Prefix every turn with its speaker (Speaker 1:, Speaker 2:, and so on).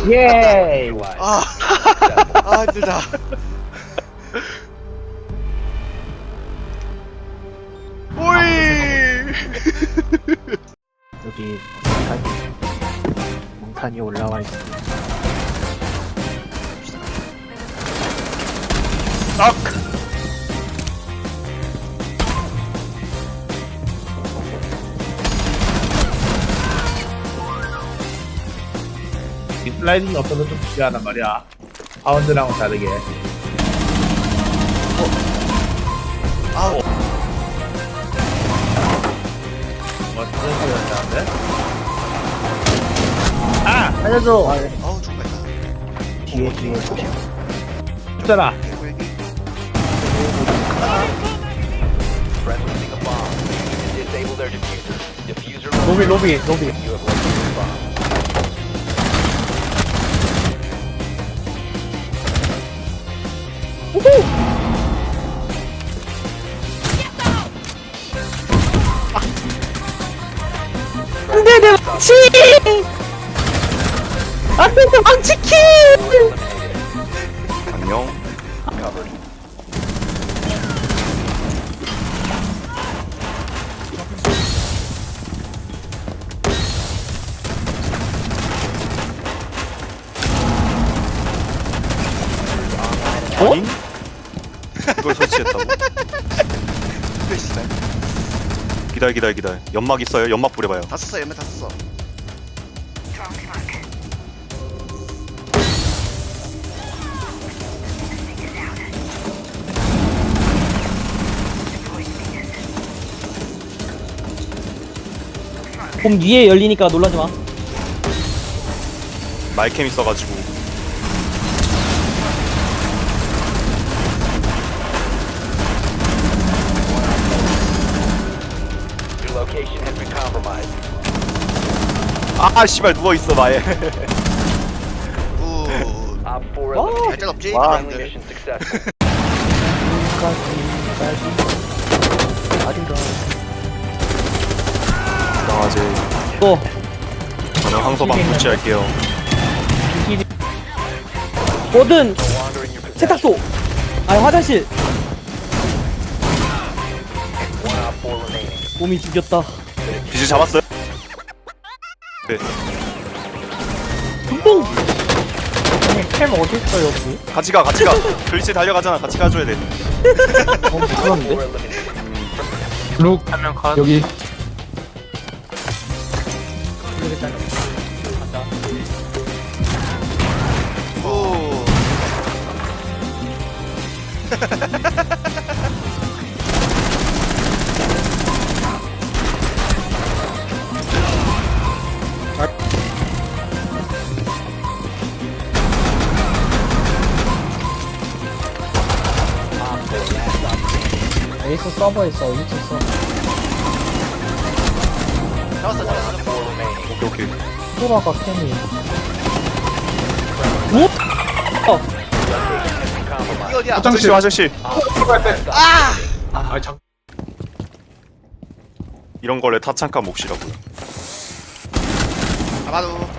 Speaker 1: 예.
Speaker 2: 힘들다. 오이.
Speaker 1: 여기 몽탄이 올라와 있어.
Speaker 2: 딱.
Speaker 3: 이 슬라이딩이 없어서 좀 불리하단 말이야. 파운드랑은 다르게.
Speaker 2: 아우.
Speaker 3: 멋진 소리였다는데? 아! 살려줘!
Speaker 2: 아우 죽겠다.
Speaker 1: 뒤에 조심.
Speaker 3: 죽잖아.
Speaker 4: Friendly a bomb. Disable their diffuser. Diffuser
Speaker 1: 로비.
Speaker 4: You have located the bomb.
Speaker 1: 안돼 내 망치! 안돼 내 망치키!
Speaker 2: 안녕.
Speaker 4: Covered.
Speaker 1: 어?
Speaker 5: 이걸 설치했다고? 기다려. 연막 있어요? 연막 뿌려봐요.
Speaker 2: 다 썼어. 얘네 다 썼어.
Speaker 1: 봄 위에 열리니까 놀라지 마.
Speaker 5: 마이캠 있어가지고.
Speaker 4: Your location has been compromised.
Speaker 5: 아 씨발 누워있어 마에.
Speaker 2: 우.
Speaker 4: Op 4 eliminated.
Speaker 2: 발전 없지?
Speaker 5: 와.
Speaker 4: Friendly mission successful.
Speaker 5: 나가지.
Speaker 1: 또
Speaker 5: 저는 황소방 설치할게요.
Speaker 1: 뭐든
Speaker 4: No longer in your possession.
Speaker 1: 세탁소. 아니 화장실.
Speaker 4: One Op 4 remaining.
Speaker 1: 봄이 죽였다.
Speaker 5: 비즈 잡았어요? 네.
Speaker 1: 금방. 캠 어디 있어 여기?
Speaker 5: 같이 가. 글씨 달려가잖아. 같이 가줘야 돼.
Speaker 4: Op 4
Speaker 1: 그런데?
Speaker 4: eliminated.
Speaker 3: 룩 하면 컷. 여기.
Speaker 2: 우.
Speaker 1: 에이스 서버에 있어. 2층 서버.
Speaker 2: 잡았어.
Speaker 4: 4 remaining.
Speaker 5: 오케이.
Speaker 1: 소라가 캠이.
Speaker 4: Compromised.
Speaker 2: 이 어디야?
Speaker 5: 화장실.
Speaker 3: 아, 참.
Speaker 5: 이런 걸래 타창카 몫이라고요.
Speaker 2: 아마도.